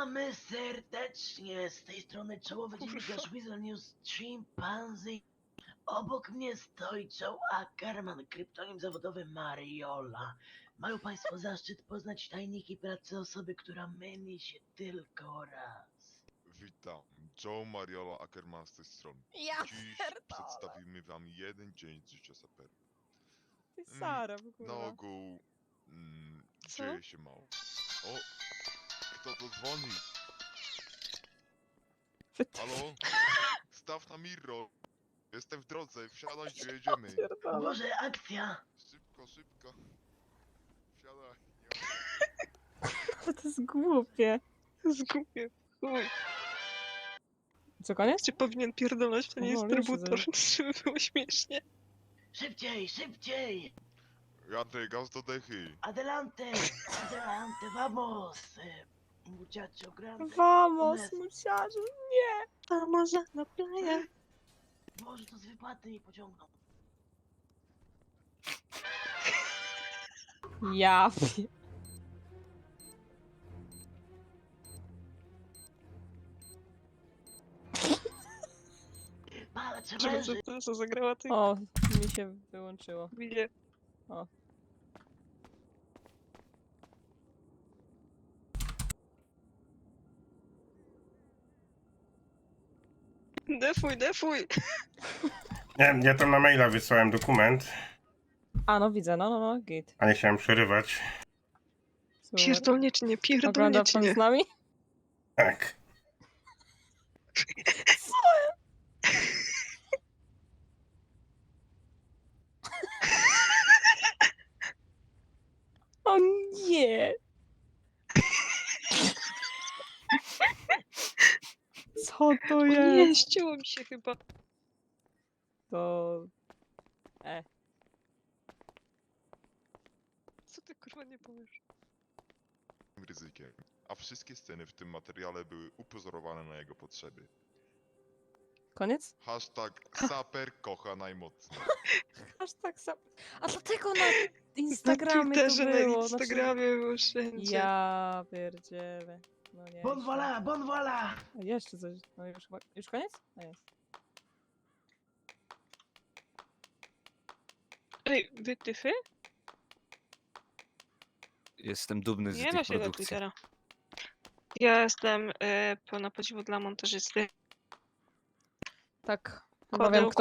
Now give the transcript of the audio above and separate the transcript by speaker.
Speaker 1: Witamy serdecznie z tej strony czołowy dziennikarz Weasel News Chimpanzee. Obok mnie stoi Joe Ackerman, kryptonim zawodowy Mariola. Mają Państwo zaszczyt poznać tajniki pracy osoby, która myli się tylko raz.
Speaker 2: Witam, Joe Mariola Ackerman z tej strony.
Speaker 3: Ja
Speaker 2: Dziś
Speaker 3: pierdolę.
Speaker 2: przedstawimy wam jeden dzień z życia sapera.
Speaker 3: Ty Sara, w
Speaker 2: Na
Speaker 3: kurwa.
Speaker 2: ogół
Speaker 3: Co?
Speaker 2: dzieje się mało. O, kto to dzwoni? Halo? Staw na mirror. Jestem w drodze, wsiadaj, gdzie jedziemy.
Speaker 1: O
Speaker 3: Pierdolę.
Speaker 1: Boże, akcja!
Speaker 2: Szybko, szybko. Wsiadaj.
Speaker 3: To jest głupie.
Speaker 4: Zgubię. Chuj.
Speaker 3: Co, koniec?
Speaker 4: Czy powinien pierdolać w ten
Speaker 3: O,
Speaker 4: instrybutor,
Speaker 3: jeszcze
Speaker 4: żeby było śmiesznie?
Speaker 1: Szybciej, szybciej!
Speaker 2: Jadę, gaz do dechy.
Speaker 1: Adelante! Adelante, vamos! Muchacho grande.
Speaker 3: Vamos,
Speaker 1: Unes.
Speaker 3: muchacho. Nie.
Speaker 4: Vamos a la playa.
Speaker 1: Boże, to z wypłaty mi pociągną.
Speaker 3: Ja
Speaker 1: Patrz,
Speaker 4: Żeby
Speaker 1: męży!
Speaker 4: co zagrała ty?
Speaker 3: O, mi się wyłączyło.
Speaker 4: Widzę.
Speaker 3: O.
Speaker 4: Defuj, defuj!
Speaker 5: Nie, ja tam na maila wysłałem dokument,
Speaker 3: A, no widzę, no, git.
Speaker 5: a nie chciałem przerywać.
Speaker 3: Super.
Speaker 4: Pierdolnie czy nie, pierdolnie
Speaker 3: Ogląda
Speaker 4: czy
Speaker 3: pan
Speaker 4: nie?
Speaker 3: z nami?
Speaker 5: Tak.
Speaker 3: O nie. Co to
Speaker 4: O
Speaker 3: jest?
Speaker 4: nie, ścięło mi się chyba.
Speaker 3: To...
Speaker 4: Co ty kurwa nie powiesz?
Speaker 2: Ryzykiem. A wszystkie sceny w tym materiale były upozorowane na jego potrzeby.
Speaker 3: Koniec?
Speaker 2: Saper kocha najmocniej.
Speaker 3: Aż tak sam. A dlatego na Instagramie
Speaker 4: na
Speaker 3: to
Speaker 4: Twitterze,
Speaker 3: było.
Speaker 4: na Instagramie było wszędzie.
Speaker 3: Ja pierdzielę. No nie.
Speaker 1: Bon voilà, bon voilà!
Speaker 3: Jeszcze coś. No już chyba. Już koniec? No jest.
Speaker 4: Ej, wytyfy?
Speaker 6: Jestem dumny z
Speaker 4: Nie da
Speaker 6: tych
Speaker 4: się do
Speaker 6: produkcji.
Speaker 4: Twittera. Ja jestem pełna podziwu dla montażysty.
Speaker 3: Tak.
Speaker 4: Kładę
Speaker 3: Powiem, kto